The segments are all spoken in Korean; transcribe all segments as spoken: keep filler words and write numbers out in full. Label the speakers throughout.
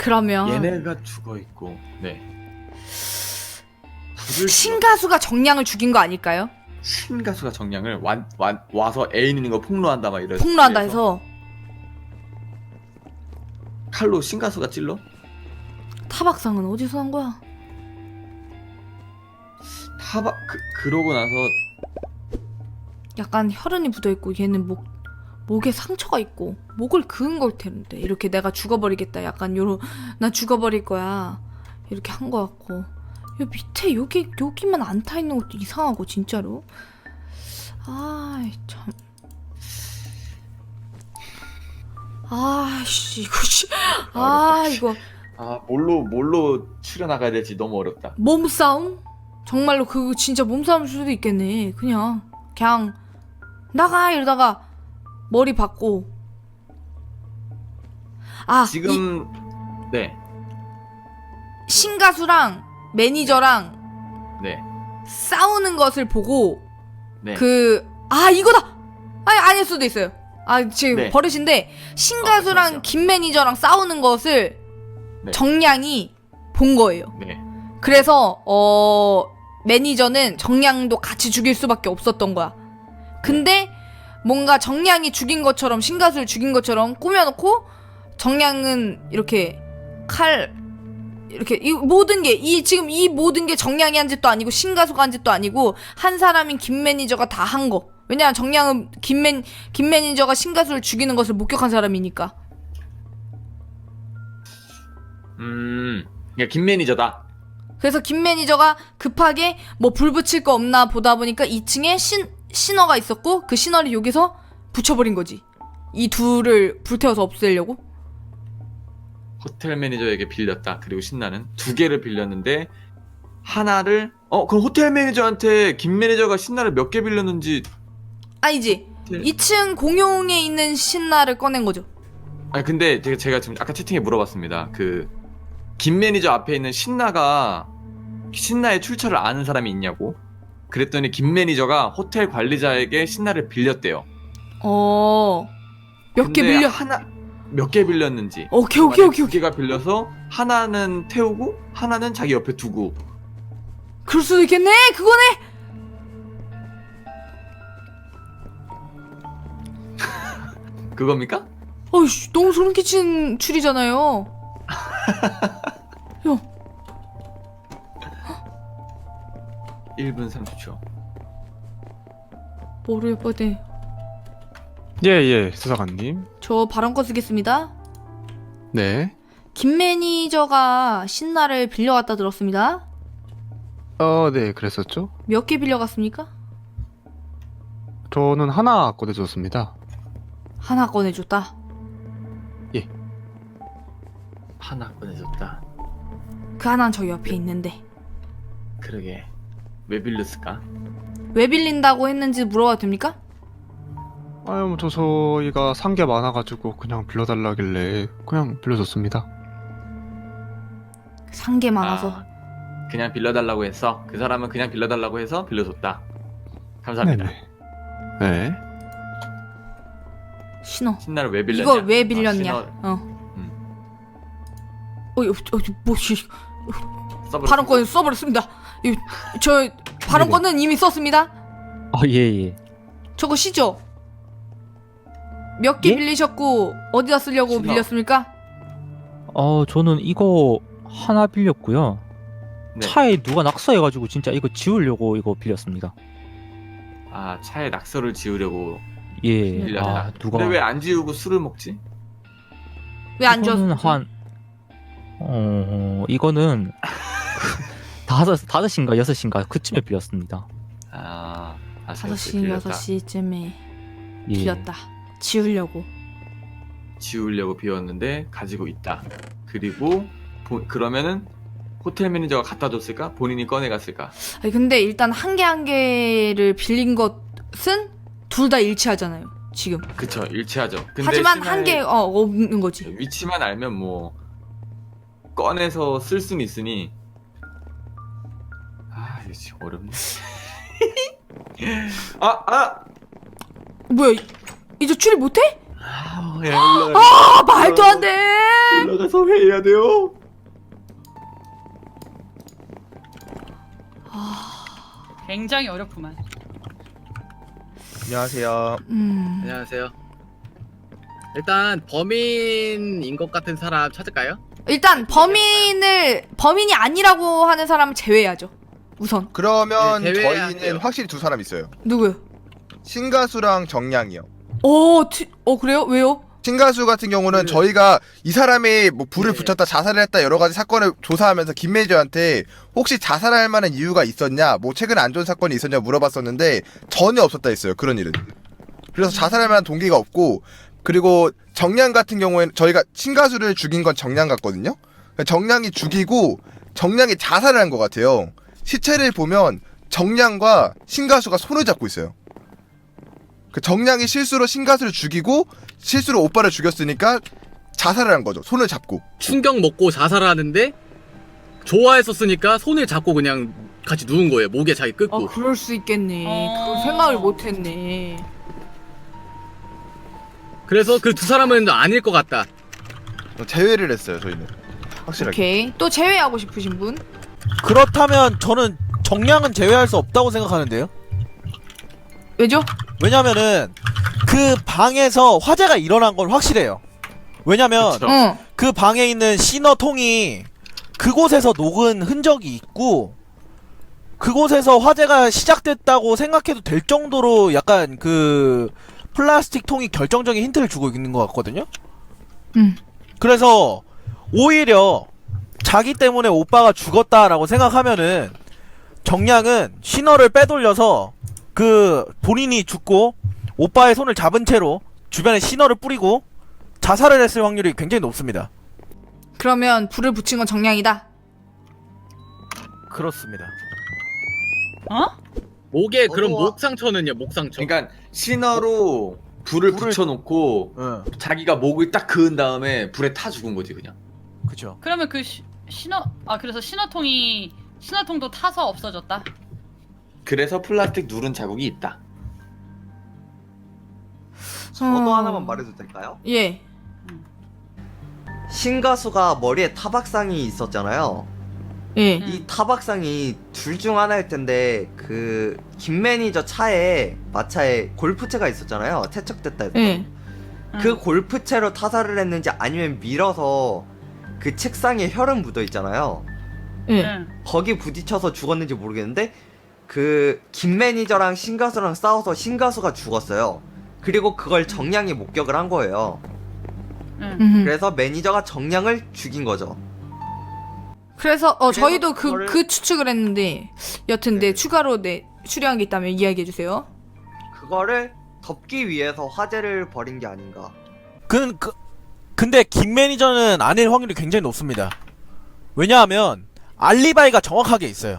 Speaker 1: 그러면
Speaker 2: 얘네가 죽어 있고. 네. 불을
Speaker 1: 신가수가 정량을 죽인 거 아닐까요?
Speaker 2: 신가수가 정량을 완, 완, 와서 애인 있는 거 폭로한다 막 이런.
Speaker 1: 폭로한다 해서
Speaker 2: 칼로 신가수가 찔러?
Speaker 1: 타박상은 어디서 난 거야?
Speaker 2: 타박 그 그러고 나서
Speaker 1: 약간 혈흔이 묻어있고 얘는 목 목에 상처가 있고 목을 그은 걸 텐데 이렇게 내가 죽어버리겠다 약간 요런 나 죽어버릴 거야 이렇게 한 거 같고 요 밑에 여기 여기만 안 타 있는 것도 이상하고 진짜로 아이 참 아씨 이거 씨아 이거
Speaker 2: 아 뭘로 뭘로 추려 나가야 될지 너무 어렵다.
Speaker 1: 몸싸움? 정말로 그거 진짜 몸싸움일 수도 있겠네. 그냥 그냥 나가 이러다가 머리 받고 아
Speaker 2: 지금 네.
Speaker 1: 신가수랑 매니저랑
Speaker 2: 네.
Speaker 1: 싸우는 것을 보고
Speaker 2: 네.
Speaker 1: 그 아 이거다 아니 아닐 수도 있어요. 아 지금
Speaker 2: 네.
Speaker 1: 버릇인데 신가수랑
Speaker 2: 어, 그렇죠.
Speaker 1: 김 매니저랑 싸우는 것을
Speaker 2: 네.
Speaker 1: 정량이 본 거예요.
Speaker 2: 네.
Speaker 1: 그래서 어 매니저는 정량도 같이 죽일 수밖에 없었던 거야. 근데 뭔가 정량이 죽인 것처럼 신가수를 죽인 것처럼 꾸며놓고 정량은 이렇게 칼 이렇게 이 모든 게 이 지금 이 모든 게 정량이 한 짓도 아니고 신가수가 한 짓도 아니고 한 사람인 김 매니저가 다 한 거. 왜냐면 정량은 김, 매, 김 매니저가 신가수를 죽이는 것을 목격한 사람이니까.
Speaker 2: 음. 그러니까 김 매니저다.
Speaker 1: 그래서 김 매니저가 급하게 뭐 불 붙일 거 없나 보다 보니까 이 층에 신, 신어가 있었고 그 신어를 여기서 붙여버린 거지. 이 둘을 불태워서 없애려고.
Speaker 2: 호텔 매니저에게 빌렸다. 그리고 신나는 두 개를 빌렸는데 하나를 어 그럼 호텔 매니저한테 김 매니저가 신나를 몇 개 빌렸는지
Speaker 1: 아니지.
Speaker 2: 호텔...
Speaker 1: 이 층 공용에 있는 신나를 꺼낸 거죠.
Speaker 2: 아니 근데 제가, 제가 지금 아까 채팅에 물어봤습니다. 그 김 매니저 앞에 있는 신나가 신나의 출처를 아는 사람이 있냐고. 그랬더니 김 매니저가 호텔 관리자에게 신나를 빌렸대요.
Speaker 1: 어. 몇 개 빌려?
Speaker 2: 하나 몇 개 빌렸는지.
Speaker 1: 오케이 오케이 오케이
Speaker 2: 두
Speaker 1: 오케이.
Speaker 2: 개가 빌려서 하나는 태우고 하나는 자기 옆에 두고.
Speaker 1: 그럴 수도 있겠네. 그거네.
Speaker 2: 그겁니까?
Speaker 1: 어이씨 너무 소름 끼친 추리잖아요. 야.
Speaker 2: 일 분 삼십 초.
Speaker 1: 뭐를 뻔해.
Speaker 3: 예예 수사관님.
Speaker 1: 저 발언권 쓰겠습니다.
Speaker 3: 네.
Speaker 1: 김 매니저가 신나를 빌려갔다 들었습니다.
Speaker 3: 어 네 그랬었죠.
Speaker 1: 몇 개 빌려갔습니까?
Speaker 3: 저는 하나 꺼내줬습니다.
Speaker 1: 하나 꺼내줬다.
Speaker 3: 예.
Speaker 2: 하나 꺼내줬다.
Speaker 1: 그 하나는 저 옆에 있는데
Speaker 2: 그러게 왜 빌렸을까?
Speaker 1: 왜 빌린다고 했는지 물어봐도 됩니까?
Speaker 3: 아유 뭐 저 저희가 산 게 많아가지고 그냥 빌려달라길래 그냥 빌려줬습니다.
Speaker 1: 산 게 많아서.
Speaker 2: 아, 그냥 빌려달라고 했어. 그 사람은 그냥 빌려달라고 해서 빌려줬다. 감사합니다.
Speaker 3: 네네. 네.
Speaker 1: 신어.
Speaker 2: 신나를 왜 빌렸냐?
Speaker 1: 이걸 왜 빌렸냐?
Speaker 2: 어,
Speaker 1: 어.
Speaker 2: 음.
Speaker 1: 어이, 어, 뭐지?
Speaker 2: 신어
Speaker 1: 발언권 써버렸습니다. 이, 저 발언권은 이미 썼습니다.
Speaker 4: 어, 예, 예.
Speaker 1: 저거 시죠? 몇 개
Speaker 4: 예?
Speaker 1: 빌리셨고 어디다 쓰려고
Speaker 2: 신어.
Speaker 1: 빌렸습니까?
Speaker 4: 어, 저는 이거 하나 빌렸고요.
Speaker 2: 네.
Speaker 4: 차에 누가 낙서해가지고 진짜 이거 지우려고 이거 빌렸습니다.
Speaker 2: 아 차에 낙서를 지우려고
Speaker 4: 예.
Speaker 2: 빌렸다.
Speaker 4: 아, 누가.
Speaker 2: 근데 왜 안 지우고 술을 먹지?
Speaker 1: 왜 안
Speaker 4: 이거는
Speaker 1: 줬지?
Speaker 4: 한, 어, 이거는 다섯, 다섯 시인가 여섯 시인가 그쯤에 빌렸습니다.
Speaker 2: 아, 아
Speaker 1: 다섯 시, 여섯 시쯤에
Speaker 4: 예.
Speaker 1: 빌렸다. 지우려고.
Speaker 2: 지우려고 비웠는데 가지고 있다. 그리고 보, 그러면은 호텔 매니저가 갖다 줬을까? 본인이 꺼내갔을까?
Speaker 1: 아니, 근데 일단 한 개 한 개를 빌린 것은 둘 다 일치하잖아요. 지금.
Speaker 2: 그쵸, 일치하죠. 근데
Speaker 1: 하지만
Speaker 2: 신하의
Speaker 1: 한 개 어, 없는 거지.
Speaker 2: 위치만 알면 뭐 꺼내서 쓸 수는 있으니. 아 이거 진짜 어렵네. 아 아.
Speaker 1: 뭐야? 이- 이제 추리 못해?
Speaker 2: 아, 예, 올라가.
Speaker 1: 아 말도 안 돼.
Speaker 2: 올라가서 회의해야 돼요.
Speaker 5: 굉장히 어렵구만.
Speaker 6: 안녕하세요.
Speaker 1: 음.
Speaker 6: 안녕하세요. 일단 범인인 것 같은 사람 찾을까요?
Speaker 1: 일단 범인을 범인이 아니라고 하는 사람을 제외해야죠. 우선
Speaker 7: 그러면
Speaker 6: 네, 제외해야
Speaker 7: 저희는
Speaker 6: 돼요.
Speaker 7: 확실히 두 사람 있어요.
Speaker 1: 누구요?
Speaker 7: 신가수랑 정량이요.
Speaker 1: 어, 티, 어 그래요? 왜요?
Speaker 7: 신가수 같은 경우는
Speaker 6: 그-
Speaker 7: 저희가 이 사람이 뭐 불을
Speaker 6: 네.
Speaker 7: 붙였다 자살을 했다 여러 가지 사건을 조사하면서 김 매니저한테 혹시 자살할 만한 이유가 있었냐, 뭐 최근에 안 좋은 사건이 있었냐 물어봤었는데 전혀 없었다 했어요. 그런 일은. 그래서 자살할 만한 동기가 없고, 그리고 정량 같은 경우에는 저희가 신가수를 죽인 건 정량 같거든요. 정량이 죽이고 정량이 자살을 한 것 같아요. 시체를 보면 정량과 신가수가 손을 잡고 있어요. 그 정량이 실수로 신가수를 죽이고 실수로 오빠를 죽였으니까 자살을 한 거죠. 손을 잡고.
Speaker 6: 충격 먹고 자살을 하는데 좋아했었으니까 손을 잡고 그냥 같이 누운 거예요. 목에 자기
Speaker 1: 어
Speaker 6: 끄고.
Speaker 1: 그럴 수 있겠네.
Speaker 5: 어.
Speaker 1: 그런 생각을 못했네.
Speaker 6: 그래서 그 두 사람은 아닐 것 같다.
Speaker 7: 제외를 했어요. 저희는 확실하게.
Speaker 1: 오케이. 또 제외하고 싶으신 분?
Speaker 8: 그렇다면 저는 정량은 제외할 수 없다고 생각하는데요.
Speaker 1: 왜죠?
Speaker 8: 왜냐면은 그 방에서 화재가 일어난 건 확실해요. 왜냐면
Speaker 2: 그쵸.
Speaker 1: 응.
Speaker 8: 그 방에 있는 시너통이 그곳에서 녹은 흔적이 있고, 그곳에서 화재가 시작됐다고 생각해도 될 정도로 약간 그 플라스틱 통이 결정적인 힌트를 주고 있는 것 같거든요.
Speaker 1: 응.
Speaker 8: 그래서 오히려 자기 때문에 오빠가 죽었다라고 생각하면은 정량은 신호를 빼돌려서 그 본인이 죽고 오빠의 손을 잡은 채로 주변에 신호를 뿌리고 자살을 했을 확률이 굉장히 높습니다.
Speaker 1: 그러면 불을 붙인 건 정량이다.
Speaker 8: 그렇습니다.
Speaker 5: 어?
Speaker 6: 목에 그럼
Speaker 7: 어머.
Speaker 6: 목 상처는요? 목 상처.
Speaker 2: 그러니까 신어로 불을
Speaker 8: 불을-
Speaker 2: 붙여놓고
Speaker 8: 응,
Speaker 2: 자기가 목을 딱 그은 다음에 불에 타 죽은 거지 그냥.
Speaker 8: 그죠.
Speaker 5: 그러면 그 시, 신호 아 그래서 신호통이 신호통도 타서 없어졌다.
Speaker 2: 그래서 플라스틱 누른 자국이 있다.
Speaker 9: 저도
Speaker 1: 어.
Speaker 9: 하나만 말해도 될까요?
Speaker 1: 예.
Speaker 9: 신가수가 머리에 타박상이 있었잖아요.
Speaker 1: 예.
Speaker 5: 음.
Speaker 9: 이 타박상이 둘 중 하나일 텐데 그 김 매니저 차에 마차에 골프채가 있었잖아요. 퇴척됐다 해서.
Speaker 1: 예.
Speaker 9: 그
Speaker 5: 응.
Speaker 9: 골프채로 타살을 했는지 아니면 밀어서 그 책상에 혈흔 묻어 있잖아요.
Speaker 1: 예.
Speaker 5: 응.
Speaker 9: 거기 부딪혀서 죽었는지 모르겠는데 그 김 매니저랑 신가수랑 싸워서 신가수가 죽었어요. 그리고 그걸 정량이 목격을 한 거예요.
Speaker 5: 응.
Speaker 1: 음흠.
Speaker 9: 그래서 매니저가 정량을 죽인 거죠.
Speaker 1: 그래서 어
Speaker 9: 그래서
Speaker 1: 저희도 그 그
Speaker 9: 그거를-
Speaker 1: 추측을 했는데 여튼 네 추가로 네 추려한 게 있다면 이야기해 주세요.
Speaker 9: 그거를 덮기 위해서 화재를 벌인 게 아닌가.
Speaker 8: 그, 그 근데 김 매니저는 아닐 확률이 굉장히 높습니다. 왜냐하면 알리바이가 정확하게 있어요.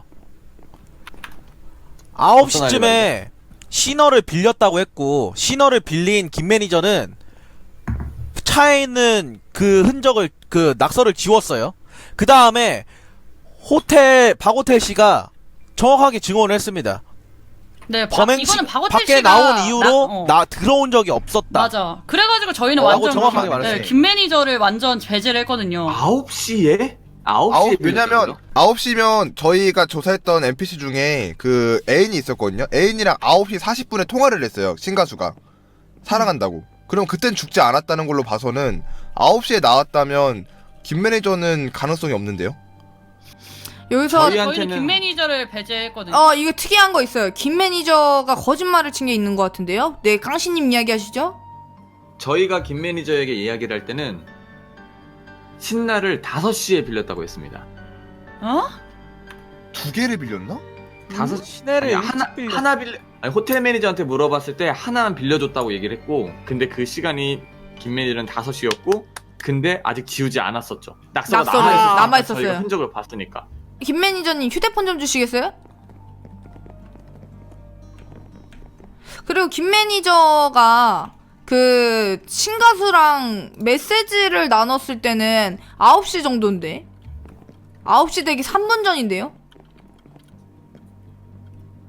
Speaker 8: 아홉 시쯤에 신어를 빌렸다고 했고, 신어를 빌린 김 매니저는 차에 있는 그 흔적을 그 낙서를 지웠어요. 그 다음에 호텔 박호텔 씨가 정확하게 증언을 했습니다.
Speaker 5: 네, 바,
Speaker 8: 범행 시
Speaker 5: 이거는 박호텔
Speaker 8: 밖에
Speaker 5: 씨가
Speaker 8: 나온 이후로
Speaker 5: 나, 어.
Speaker 8: 나 들어온 적이 없었다.
Speaker 5: 맞아. 그래가지고 저희는
Speaker 8: 어, 라고
Speaker 5: 완전
Speaker 8: 정확하게
Speaker 5: 네,
Speaker 8: 말했어요.
Speaker 5: 김 매니저를 완전 배제를 했거든요.
Speaker 2: 아홉 시에? 아홉 시에
Speaker 7: 아홉, 왜냐면 아홉 시면 저희가 조사했던 엔피씨 중에 그 애인이 있었거든요. 애인이랑 아홉 시 사십 분에 통화를 했어요. 신가수가 사랑한다고. 그럼 그땐 죽지 않았다는 걸로 봐서는 아홉 시에 나왔다면 김 매니저는 가능성이 없는데요.
Speaker 1: 여기서
Speaker 2: 저희한테는-
Speaker 5: 저희는 김 매니저를 배제했거든요.
Speaker 1: 어 이거 특이한 거 있어요. 김 매니저가 거짓말을 친 게 있는 것 같은데요. 네 깡씨님 이야기하시죠.
Speaker 2: 저희가 김 매니저에게 이야기를 할 때는 신나를 다섯 시에 빌렸다고 했습니다.
Speaker 5: 어?
Speaker 7: 두 개를 빌렸나?
Speaker 2: 다섯
Speaker 8: 시내를
Speaker 2: 아니, 하나
Speaker 8: 일찍 빌렸-
Speaker 2: 하나 빌려 아니, 호텔 매니저한테 물어봤을 때 하나만 빌려줬다고 얘기를 했고, 근데 그 시간이 김 매니저는 다섯 시였고, 근데 아직 지우지 않았었죠. 낙서가
Speaker 1: 낙서를
Speaker 2: 남아있었어요.
Speaker 1: 남아있었어요.
Speaker 2: 저희가 흔적을 봤으니까.
Speaker 1: 김 매니저님 휴대폰 좀 주시겠어요? 그리고 김 매니저가 그 신가수랑 메시지를 나눴을 때는 아홉 시 정도인데 아홉 시 되기 삼 분 전인데요?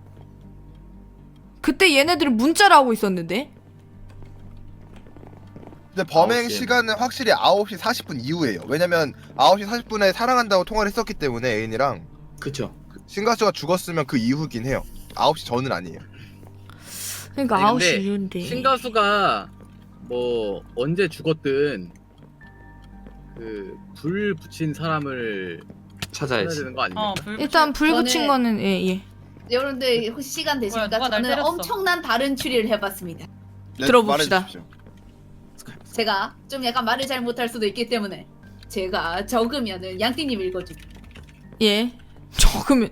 Speaker 1: 그때 얘네들은 문자를 하고 있었는데
Speaker 7: 근데 범행
Speaker 2: 아홉 시에는.
Speaker 7: 시간은 확실히 아홉 시 사십 분 이후예요. 왜냐면 아홉 시 사십 분에 사랑한다고 통화를 했었기 때문에 애인이랑
Speaker 2: 그쵸.
Speaker 7: 신가수가 죽었으면 그 이후긴 해요. 아홉 시 전은 아니에요.
Speaker 1: 그러니까
Speaker 6: 아니,
Speaker 1: 아홉 시
Speaker 6: 근데
Speaker 1: 이후인데.
Speaker 6: 신가수가 뭐 언제 죽었든 그 불 붙인 사람을 찾아야
Speaker 2: 찾아야지.
Speaker 6: 되는 거 아닙니까?
Speaker 5: 어, 불
Speaker 1: 일단 불 붙인
Speaker 10: 저는-
Speaker 1: 거는 예 예.
Speaker 10: 여러분들 혹시 시간 되십니까?
Speaker 5: 뭐야, 누가 날
Speaker 10: 저는
Speaker 5: 때렸어.
Speaker 10: 엄청난 다른 추리를 해봤습니다.
Speaker 7: 네,
Speaker 1: 들어봅시다.
Speaker 7: 말해주십시오.
Speaker 10: 제가 좀 약간 말을 잘 못할 수도 있기 때문에 제가 적으면은 양띵님 읽어주기.
Speaker 1: 예. 적으면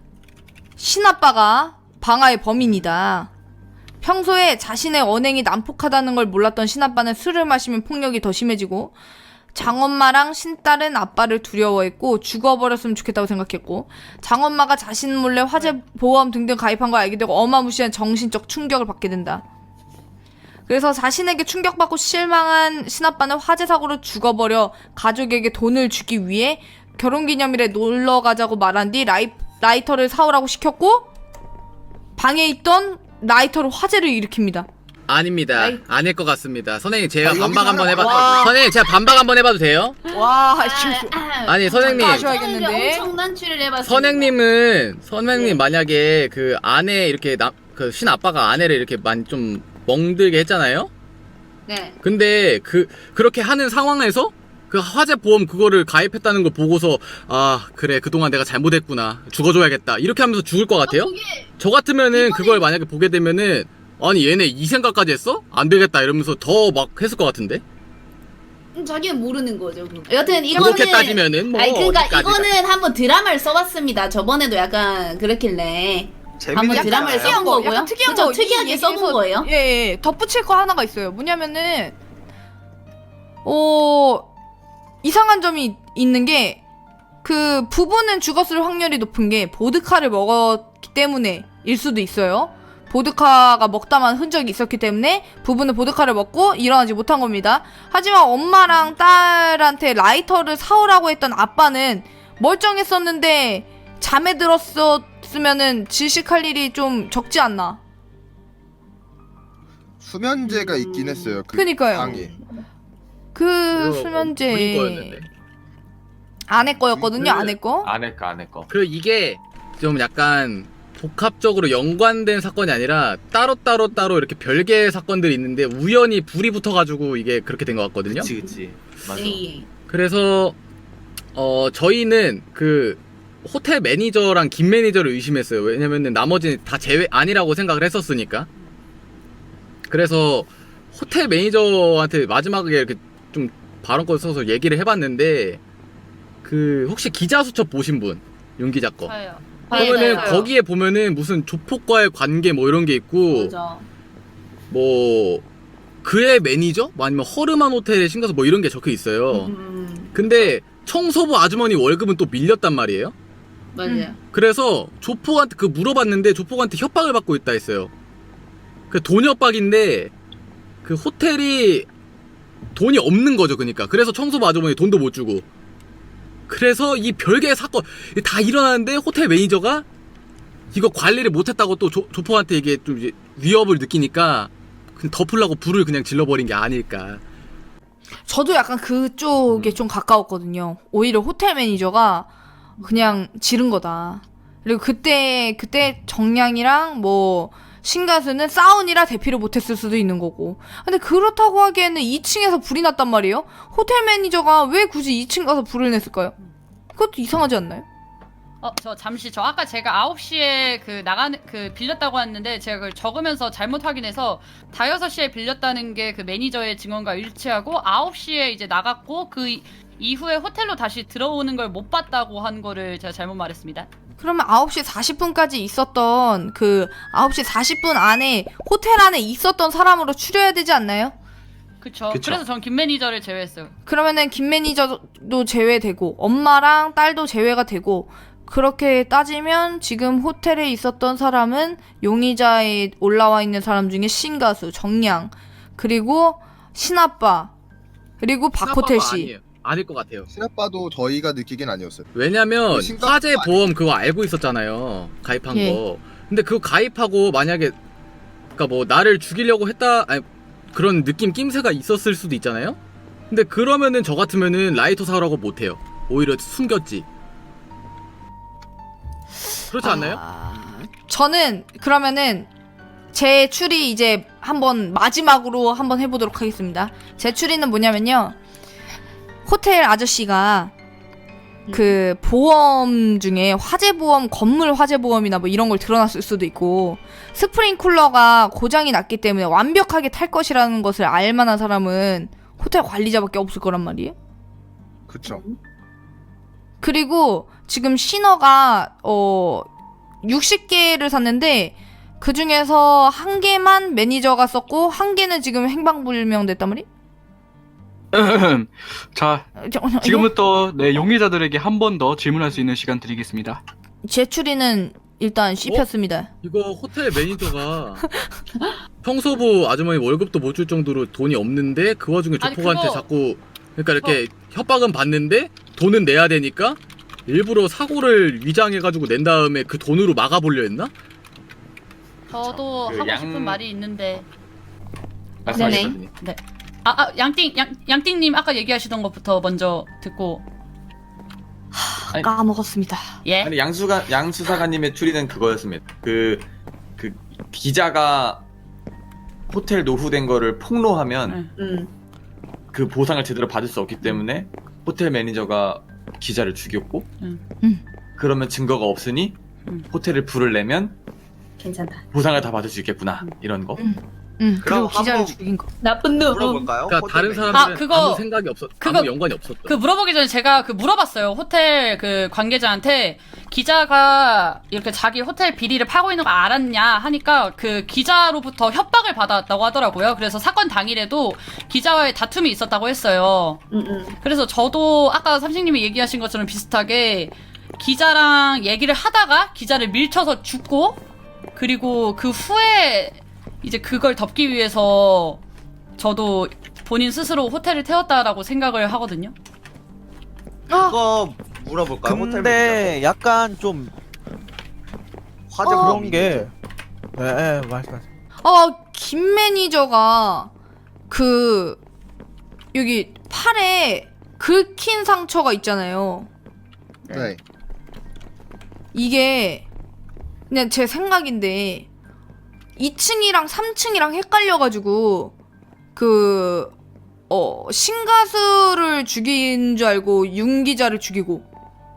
Speaker 1: 신아빠가 방아의 범인이다. 평소에 자신의 언행이 난폭하다는 걸 몰랐던 신아빠는 술을 마시면 폭력이 더 심해지고 장엄마랑 신딸은 아빠를 두려워했고 죽어버렸으면 좋겠다고 생각했고 장엄마가 자신 몰래 화재 보험 등등 가입한 걸 알게 되고 어마무시한 정신적 충격을 받게 된다. 그래서 자신에게 충격받고 실망한 신아빠는 화재 사고로 죽어버려 가족에게 돈을 주기 위해 결혼기념일에 놀러 가자고 말한 뒤 라이, 라이터를 사오라고 시켰고 방에 있던 라이터로 화재를 일으킵니다.
Speaker 6: 아닙니다.
Speaker 10: 아이.
Speaker 6: 아닐 것 같습니다. 선생님 제가
Speaker 7: 아, 여기서
Speaker 6: 반박 한번
Speaker 7: 하나-
Speaker 6: 해봐.
Speaker 1: 와.
Speaker 6: 선생님 제가 반박 한번 해봐도 돼요?
Speaker 1: 와,
Speaker 10: 아,
Speaker 6: 아니 선생님
Speaker 1: 하셔야겠는데.
Speaker 10: 엄청난 추리를 해봤습니다.
Speaker 6: 선생님은 선생님
Speaker 10: 네.
Speaker 6: 만약에 그 아내 이렇게 나, 그 신아빠가 아내를 이렇게 많이 좀 멍들게 했잖아요.
Speaker 10: 네.
Speaker 6: 근데 그 그렇게 하는 상황에서 그 화재 보험 그거를 가입했다는 걸 보고서 아 그래 그동안 내가 잘못했구나 죽어줘야겠다 이렇게 하면서 죽을 것 같아요.
Speaker 10: 어, 그게
Speaker 6: 저 같으면은
Speaker 10: 이번에-
Speaker 6: 그걸 만약에 보게 되면은 아니 얘네 이 생각까지 했어? 안 되겠다 이러면서 더 막 했을 것 같은데.
Speaker 10: 음, 자기는 모르는 거죠. 그럼. 여튼 이거는
Speaker 6: 그렇게 따지면은 뭐
Speaker 10: 아니 그러니까
Speaker 6: 어디까지가-
Speaker 10: 이거는 한번 드라마를 써봤습니다. 저번에도 약간 그렇길래 한번
Speaker 7: 재밌는
Speaker 10: 드라마를
Speaker 7: 거야.
Speaker 10: 써본 거고요.
Speaker 1: 약간 특이한
Speaker 10: 그쵸?
Speaker 1: 거
Speaker 10: 특이하게
Speaker 1: 이
Speaker 10: 써본
Speaker 1: 얘기에서-
Speaker 10: 거예요.
Speaker 1: 예, 예. 덧붙일 거 하나가 있어요. 뭐냐면은 어 이상한 점이 있는 게 그 부부는 죽었을 확률이 높은 게 보드카를 먹었기 때문에일 수도 있어요. 보드카가 먹다만 흔적이 있었기 때문에 부부는 보드카를 먹고 일어나지 못한 겁니다. 하지만 엄마랑 딸한테 라이터를 사오라고 했던 아빠는 멀쩡했었는데 잠에 들었었으면은 질식할 일이 좀 적지 않나.
Speaker 7: 수면제가 있긴 했어요. 그
Speaker 1: 그니까요.
Speaker 7: 방에.
Speaker 1: 그
Speaker 6: 그거 본인
Speaker 1: 수면제
Speaker 6: 거였는데.
Speaker 1: 아내 거였거든요.
Speaker 6: 그-
Speaker 1: 아내 거.
Speaker 2: 안 할까 안 할까.
Speaker 6: 그 이게 좀 약간 복합적으로 연관된 사건이 아니라 따로 따로 따로 이렇게 별개의 사건들이 있는데 우연히 불이 붙어가지고 이게 그렇게 된 것 같거든요.
Speaker 2: 그치 그치. 맞아.
Speaker 10: 예, 예.
Speaker 6: 그래서 어 저희는 그 호텔 매니저랑 김 매니저를 의심했어요. 왜냐면은 나머지는 다 제외 아니라고 생각을 했었으니까. 그래서 호텔 매니저한테 마지막에 이렇게 좀 발언권 써서 얘기를 해봤는데 그 혹시 기자수첩 보신 분? 윤 기자 거.
Speaker 5: 저요.
Speaker 6: 그러면은
Speaker 10: 맞아요.
Speaker 6: 거기에 보면은 무슨 조폭과의 관계 뭐 이런 게 있고
Speaker 10: 맞아.
Speaker 6: 뭐 그의 매니저? 뭐 아니면 허름한 호텔에 신가서 뭐 이런 게 적혀 있어요.
Speaker 10: 음,
Speaker 6: 근데 청소부 아주머니 월급은 또 밀렸단 말이에요.
Speaker 10: 맞아요.
Speaker 6: 그래서 조폭한테 그 물어봤는데 조폭한테 협박을 받고 있다 했어요. 그 돈 협박인데 그 호텔이 돈이 없는 거죠, 그러니까. 그래서 청소부 아주머니 돈도 못 주고. 그래서 이 별개의 사건 다 일어나는데 호텔 매니저가 이거 관리를 못했다고 또 조, 조폭한테 이게 좀 이제 위협을 느끼니까 그냥 덮으려고 불을 그냥 질러버린 게 아닐까.
Speaker 1: 저도 약간 그쪽에 좀 가까웠거든요. 오히려 호텔 매니저가 그냥 지른 거다. 그리고 그때 그때 정량이랑 뭐 신가수는 싸우니라 대피를 못했을 수도 있는 거고. 근데 그렇다고 하기에는 이 층에서 불이 났단 말이에요. 호텔 매니저가 왜 굳이 이 층 가서 불을 냈을까요? 그것도 이상하지 않나요?
Speaker 5: 어, 저 잠시 저 아까 제가 아홉 시에 그 나가는 그 빌렸다고 했는데 제가 그걸 적으면서 잘못 확인해서 다여섯 시에 빌렸다는 게 그 매니저의 증언과 일치하고 아홉 시에 이제 나갔고 그 이- 이후에 호텔로 다시 들어오는 걸 못 봤다고 한 거를 제가 잘못 말했습니다.
Speaker 1: 그러면 아홉 시 사십 분까지 있었던 그 아홉 시 사십 분 안에 호텔 안에 있었던 사람으로 추려야 되지 않나요?
Speaker 5: 그쵸.
Speaker 2: 그쵸.
Speaker 5: 그래서 전 김 매니저를 제외했어요.
Speaker 1: 그러면은 김 매니저도 제외되고 엄마랑 딸도 제외가 되고 그렇게 따지면 지금 호텔에 있었던 사람은 용의자에 올라와 있는 사람 중에 신가수, 정량, 그리고 신아빠, 그리고 박호텔
Speaker 6: 신아빠가
Speaker 1: 씨.
Speaker 6: 아니에요. 아닐 것 같아요.
Speaker 7: 신아빠도 저희가 느끼긴 아니었어요.
Speaker 6: 왜냐면
Speaker 7: 신가수가
Speaker 6: 화재
Speaker 7: 아니-
Speaker 6: 보험 그거 알고 있었잖아요. 가입한
Speaker 1: 예.
Speaker 6: 거. 근데 그거 가입하고 만약에 그니까 뭐 나를 죽이려고 했다 아니 그런 느낌 낌새가 있었을 수도 있잖아요. 근데 그러면은 저 같으면은 라이터 사라고 못해요. 오히려 숨겼지. 그렇지 않나요?
Speaker 1: 아, 저는 그러면은 제 추리 이제 한번 마지막으로 한번 해보도록 하겠습니다. 제 추리는 뭐냐면요. 호텔 아저씨가 그 보험 중에 화재 보험, 건물 화재 보험이나 뭐 이런 걸 들어놨을 수도 있고, 스프링쿨러가 고장이 났기 때문에 완벽하게 탈 것이라는 것을 알 만한 사람은 호텔 관리자밖에 없을 거란 말이에요.
Speaker 7: 그쵸.
Speaker 1: 그리고 지금 신어가 어 육십 개를 샀는데 그 중에서 한 개만 매니저가 썼고 한 개는 지금 행방불명 됐단 말이?
Speaker 11: 자, 지금부터 네, 용의자들에게 한 번 더 질문할 수 있는 시간 드리겠습니다.
Speaker 1: 제 추리는 일단 씹혔습니다.
Speaker 6: 이거 호텔 매니저가 청소부 아주머니 월급도 못 줄 정도로 돈이 없는데 그 와중에
Speaker 5: 아니,
Speaker 6: 조폭한테
Speaker 5: 그거-
Speaker 6: 자꾸 그러니까 이렇게 협박은 받는데 돈은 내야 되니까 일부러 사고를 위장해가지고 낸 다음에 그 돈으로 막아보려 했나?
Speaker 5: 저도
Speaker 2: 그
Speaker 5: 하고
Speaker 2: 양-
Speaker 5: 싶은 말이 있는데
Speaker 2: 말씀하시거든요.
Speaker 5: 아, 아 양띵 양 양띵님 아까 얘기하시던 것부터 먼저 듣고
Speaker 2: 아니,
Speaker 1: 까먹었습니다.
Speaker 5: 예.
Speaker 2: 아니 양수가 양수사관님의 추리는 그거였습니다. 그 그 기자가 호텔 노후된 거를 폭로하면
Speaker 5: 응.
Speaker 10: 음.
Speaker 2: 그 보상을 제대로 받을 수 없기 때문에 호텔 매니저가 기자를 죽였고,
Speaker 5: 응.
Speaker 1: 응.
Speaker 2: 그러면 증거가 없으니
Speaker 5: 응.
Speaker 2: 호텔을 불을 내면
Speaker 10: 괜찮다.
Speaker 2: 보상을 다 받을 수 있겠구나, 이런 거.
Speaker 1: 응. 응. 그리고
Speaker 9: 그럼
Speaker 1: 기자를
Speaker 9: 한번-
Speaker 1: 죽인 거.
Speaker 10: 나쁜 놈.
Speaker 9: 물어볼까요?
Speaker 6: 그러니까
Speaker 9: 호텔
Speaker 6: 다른
Speaker 9: 매니저.
Speaker 6: 사람들은
Speaker 5: 아, 그거-
Speaker 6: 아무 생각이 없었,
Speaker 5: 그거-
Speaker 6: 아무 연관이 없었다.
Speaker 5: 그 물어보기 전에 제가 그 물어봤어요. 호텔 그 관계자한테 기자가 이렇게 자기 호텔 비리를 파고 있는 거 알았냐 하니까 그 기자로부터 협박을 받았다고 하더라고요. 그래서 사건 당일에도 기자와의 다툼이 있었다고 했어요.
Speaker 10: 음, 음.
Speaker 5: 그래서 저도 아까 삼식님이 얘기하신 것처럼 비슷하게 기자랑 얘기를 하다가 기자를 밀쳐서 죽고, 그리고 그 후에 이제 그걸 덮기 위해서 저도 본인 스스로 호텔을 태웠다라고 생각을 하거든요.
Speaker 9: 그거 물어볼까요? 호텔
Speaker 8: 근데 약간 좀
Speaker 9: 화재
Speaker 8: 그런
Speaker 9: 보험이
Speaker 8: 게 예, 예, 말씀하세요.
Speaker 1: 아, 김 매니저가 그 여기 팔에 긁힌 상처가 있잖아요.
Speaker 7: 네.
Speaker 1: 이게 그냥 제 생각인데 이 층이랑 삼 층이랑 헷갈려가지고 그 어, 신가수를 죽인 줄 알고 윤 기자를 죽이고,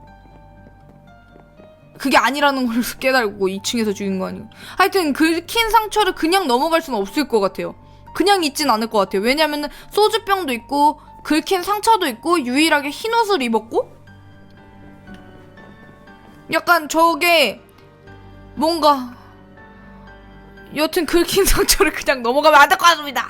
Speaker 1: 그게 아니라는 걸 깨달고 이 층에서 죽인 거 아니고. 하여튼 긁힌 상처를 그냥 넘어갈 수는 없을 것 같아요. 그냥 있진 않을 것 같아요. 왜냐면은 소주병도 있고 긁힌 상처도 있고 유일하게 흰 옷을 입었고, 약간 저게 뭔가 여튼 긁힌 상처를 그냥 넘어가면 안 될 것 같습니다.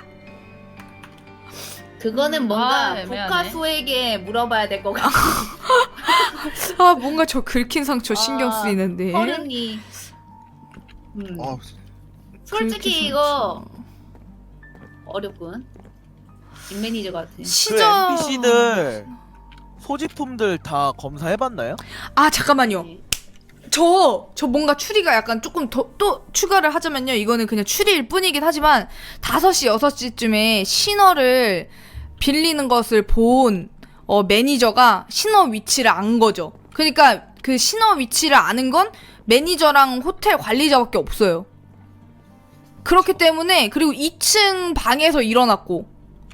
Speaker 10: 그거는
Speaker 5: 음,
Speaker 10: 뭔가
Speaker 5: 아, 애매하네.
Speaker 10: 복가수에게 물어봐야 될 것 같아.
Speaker 1: 아, 뭔가 저 긁힌 상처 신경
Speaker 10: 아,
Speaker 1: 쓰이는데.
Speaker 10: 어른이. 음.
Speaker 7: 어,
Speaker 10: 솔직히
Speaker 1: 긁힌
Speaker 10: 이거 어렵군. 김 매니저 같은.
Speaker 8: 그
Speaker 1: 시저
Speaker 8: 엔피씨들 소지품들 다 검사해봤나요?
Speaker 1: 아, 잠깐만요. 저, 저 뭔가 추리가 약간 조금 더, 또 추가를 하자면요. 이거는 그냥 추리일 뿐이긴 하지만, 다섯 시, 여섯 시쯤에 신어를 빌리는 것을 본, 어, 매니저가 신어 위치를 안 거죠. 그러니까 그 신어 위치를 아는 건 매니저랑 호텔 관리자밖에 없어요. 그렇기 때문에, 그리고 이 층 방에서 일어났고,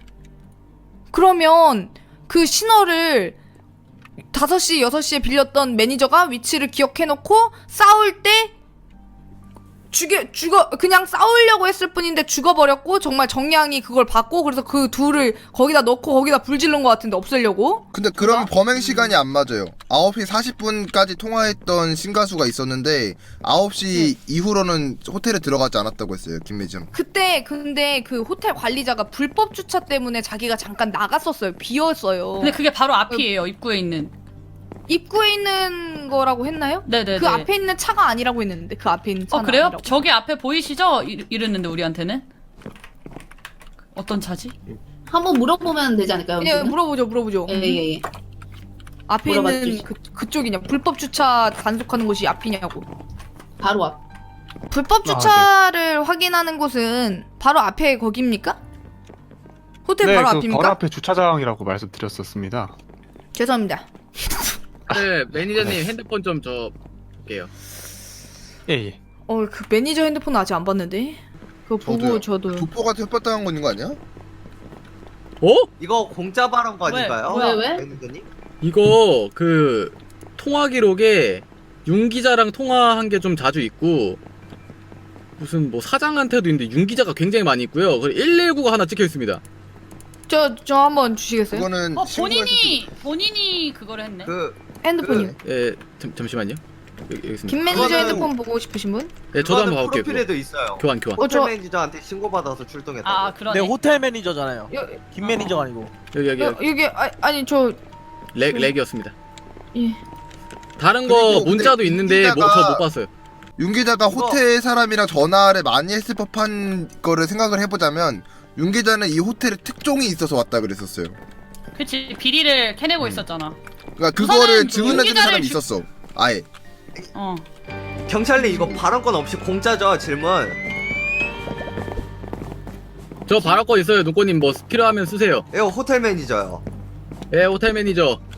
Speaker 1: 그러면 그 신어를 다섯 시, 여섯 시에 빌렸던 매니저가 위치를 기억해놓고 싸울 때 죽여, 죽어, 그냥 싸우려고 했을 뿐인데 죽어버렸고, 정말 정량이 그걸 받고, 그래서 그 둘을 거기다 넣고 거기다 불 지른 것 같은데 없애려고?
Speaker 7: 근데 그러면 범행 시간이 안 맞아요. 아홉 시 사십 분까지 통화했던 신가수가 있었는데 아홉 시 이후로는 호텔에 들어가지 않았다고 했어요, 김 매니저는.
Speaker 1: 그때 근데 그 호텔 관리자가 불법 주차 때문에 자기가 잠깐 나갔었어요. 비었어요.
Speaker 5: 근데 그게 바로 앞이에요. 입구에 있는.
Speaker 1: 입구에 있는 거라고 했나요?
Speaker 5: 네네네.
Speaker 1: 그 앞에 있는 차가 아니라고 했는데, 그 앞에 있는 차는
Speaker 5: 어 그래요?
Speaker 1: 아니라고.
Speaker 5: 저기 앞에 보이시죠? 이, 이랬는데 우리한테는 어떤 차지?
Speaker 10: 한번 물어보면 되지 않을까요?
Speaker 1: 예,
Speaker 10: 여기는?
Speaker 1: 물어보죠, 물어보죠.
Speaker 10: 예예예.
Speaker 1: 앞에
Speaker 10: 물어봐
Speaker 1: 있는
Speaker 10: 주시-
Speaker 1: 그, 그쪽이냐, 불법 주차 단속하는 곳이 앞이냐고.
Speaker 10: 바로 앞.
Speaker 1: 불법 주차를 확인하는 곳은 바로 앞에 거기입니까? 호텔
Speaker 3: 네,
Speaker 1: 바로
Speaker 3: 그
Speaker 1: 앞입니까?
Speaker 3: 바로 앞에 주차장이라고 말씀드렸었습니다.
Speaker 1: 죄송합니다.
Speaker 6: 네, 매니저님 핸드폰 좀 저 볼게요.
Speaker 3: 예, 예.
Speaker 1: 어, 그 매니저 핸드폰 아직 안 봤는데. 그거 보고
Speaker 7: 저도요.
Speaker 1: 저도.
Speaker 7: 조포한테 협박당한 거 있는 거 아니야?
Speaker 6: 어?
Speaker 9: 이거 공짜 발언 거
Speaker 5: 왜?
Speaker 9: 아닌가요?
Speaker 10: 왜, 왜?
Speaker 9: 매니저님?
Speaker 6: 이거 그 통화 기록에 윤 기자랑 통화한 게 좀 자주 있고 무슨 뭐 사장한테도 있는데 윤 기자가 굉장히 많이 있고요. 그리고 일일구가 하나 찍혀 있습니다.
Speaker 1: 저, 저 한번 주시겠어요?
Speaker 7: 그거는
Speaker 5: 어
Speaker 7: 친구한테
Speaker 5: 본인이 본인이 그거를 했네.
Speaker 9: 그
Speaker 1: 핸드폰이요.
Speaker 6: 예, 잠, 잠시만요. 여기, 여기 있습니다.
Speaker 1: 김 매니저
Speaker 9: 그거는-
Speaker 1: 핸드폰 보고 싶으신 분?
Speaker 6: 예, 저도 한번
Speaker 9: 그거는
Speaker 6: 가볼게요. 그거.
Speaker 9: 프로필에도 있어요.
Speaker 6: 교환 교환.
Speaker 1: 어,
Speaker 9: 호텔
Speaker 1: 저-
Speaker 9: 매니저한테 신고받아서 출동했다고.
Speaker 5: 아 그러네.
Speaker 8: 네, 호텔 매니저잖아요.
Speaker 1: 여,
Speaker 8: 김 매니저가 아니고.
Speaker 6: 여기 여기
Speaker 1: 여,
Speaker 6: 여기
Speaker 1: 여기, 아, 아니, 저,
Speaker 6: 렉 렉이었습니다.
Speaker 1: 예.
Speaker 6: 다른 거
Speaker 7: 그리고
Speaker 6: 문자도
Speaker 7: 근데
Speaker 6: 있는데 뭐,
Speaker 7: 윤
Speaker 6: 저
Speaker 7: 기자가-
Speaker 6: 못 봤어요.
Speaker 7: 윤 기자가
Speaker 9: 이거-
Speaker 7: 호텔 사람이랑 전화를 많이 했을 법한 거를 생각을 해보자면 윤 기자는 이 호텔에 특종이 있어서 왔다 그랬었어요.
Speaker 5: 그치 비리를 캐내고 있었잖아.
Speaker 7: 그러니까
Speaker 5: 우선은
Speaker 7: 그거를
Speaker 5: 윤
Speaker 7: 증언해주는
Speaker 5: 기자를
Speaker 7: 사람이
Speaker 5: 주-
Speaker 7: 있었어. 아예.
Speaker 5: 어.
Speaker 9: 경찰님 이거 발언권 없이 공짜죠 질문.
Speaker 6: 저 발언권 있어요. 눈꽃님 뭐 필요하면 쓰세요.
Speaker 9: 이거 호텔 매니저요.
Speaker 6: 예, 호텔 매니저.